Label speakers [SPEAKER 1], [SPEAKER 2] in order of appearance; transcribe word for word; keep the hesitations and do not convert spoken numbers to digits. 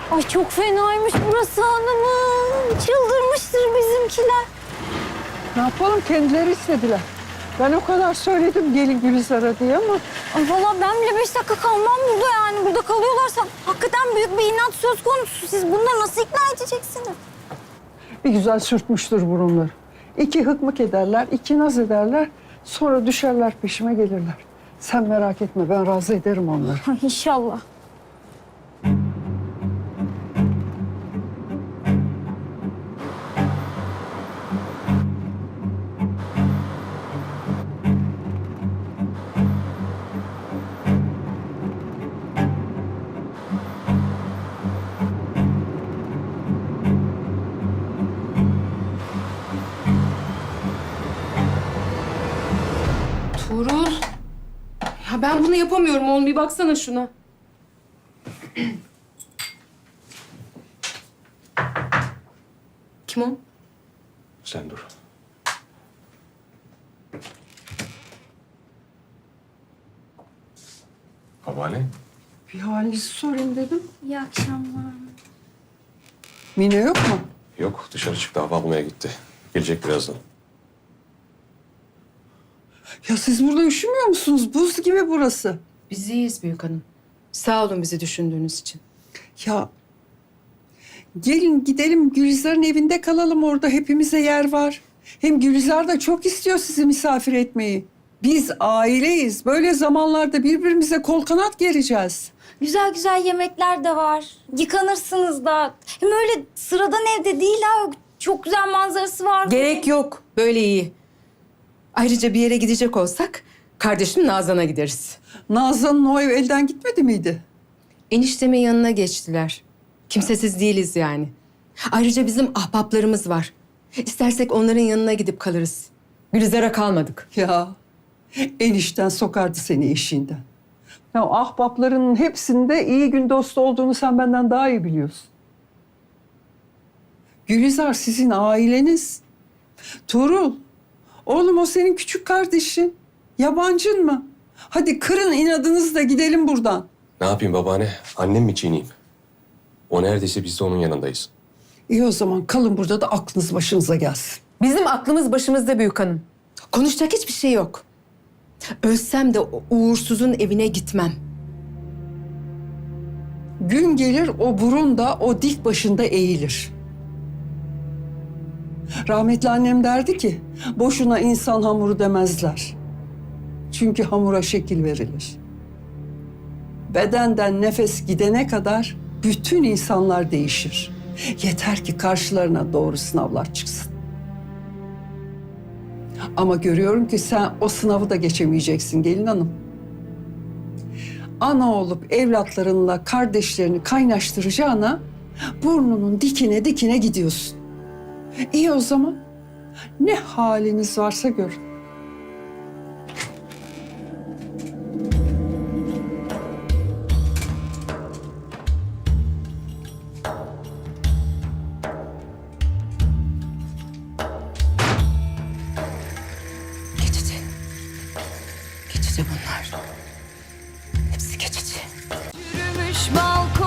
[SPEAKER 1] Ay çok fenaymış burası hanımım. Çıldırmıştır bizimkiler.
[SPEAKER 2] Ne yapalım, kendileri istediler. Ben o kadar söyledim gelin Gülizar'a diye ama...
[SPEAKER 1] Ay vallahi ben bile beş dakika kalmam burada yani. Burada kalıyorlarsa hakikaten büyük bir inat söz konusu. Siz bunları nasıl ikna edeceksiniz?
[SPEAKER 2] Bir güzel sürtmüştür burunları. İki hıkmık ederler, iki naz ederler. Sonra düşerler peşime gelirler. Sen merak etme, ben razı ederim onları.
[SPEAKER 1] Ay İnşallah.
[SPEAKER 3] Tuğrul. Ya ben bunu yapamıyorum oğlum. Bir baksana şuna. Kim o?
[SPEAKER 4] Sen dur. Babaanne.
[SPEAKER 2] Bir halinizi sorayım dedim.
[SPEAKER 1] İyi akşamlar.
[SPEAKER 2] Mine yok mu?
[SPEAKER 4] Yok, dışarı çıktı, hava almaya gitti. Gelecek birazdan.
[SPEAKER 2] Ya siz burada üşümüyor musunuz? Buz gibi burası.
[SPEAKER 3] Biz iyiyiz büyük hanım. Sağ olun bizi düşündüğünüz için.
[SPEAKER 2] Ya gelin gidelim Gülizar'ın evinde kalalım, orada hepimize yer var. Hem Gülizar da çok istiyor sizi misafir etmeyi. Biz aileyiz. Böyle zamanlarda birbirimize kol kanat gereceğiz.
[SPEAKER 1] Güzel güzel yemekler de var. Yıkanırsınız da. Hem öyle sıradan evde değil ha. Çok güzel manzarası var.
[SPEAKER 3] Gerek yok. Böyle iyi. Ayrıca bir yere gidecek olsak kardeşim Nazan'a gideriz.
[SPEAKER 2] Nazan'ın o ev elden gitmedi miydi?
[SPEAKER 3] Eniştemin yanına geçtiler. Kimsesiz değiliz yani. Ayrıca bizim ahbaplarımız var. İstersek onların yanına gidip kalırız. Gülizar'a kalmadık.
[SPEAKER 2] Ya enişten sokardı seni işinden. Ya ahbaplarının hepsinde iyi gün dostu olduğunu sen benden daha iyi biliyorsun. Gülizar sizin aileniz. Tuğrul, oğlum o senin küçük kardeşin. Yabancın mı? Hadi kırın inadınızı da gidelim buradan.
[SPEAKER 4] Ne yapayım babaanne? Annem mi çiğneyim? O neredeyse biz de onun yanındayız.
[SPEAKER 2] İyi o zaman kalın burada da aklınız başınıza gelsin.
[SPEAKER 3] Bizim aklımız başımızda büyük hanım. Konuşacak hiçbir şey yok. Ölsem de o uğursuzun evine gitmem.
[SPEAKER 2] Gün gelir o burun da o dik başında eğilir. Rahmetli annem derdi ki boşuna insan hamuru demezler. Çünkü hamura şekil verilir. Bedenden nefes gidene kadar bütün insanlar değişir. Yeter ki karşılarına doğru sınavlar çıksın. Ama görüyorum ki sen o sınavı da geçemeyeceksin gelin hanım. Ana olup evlatlarınla kardeşlerini kaynaştıracağına burnunun dikine dikine gidiyorsun. İyi o zaman. Ne haliniz varsa görün.
[SPEAKER 3] Geçici. Geçici bunlar. Hepsi geçici.
[SPEAKER 1] Yürümüş balkon.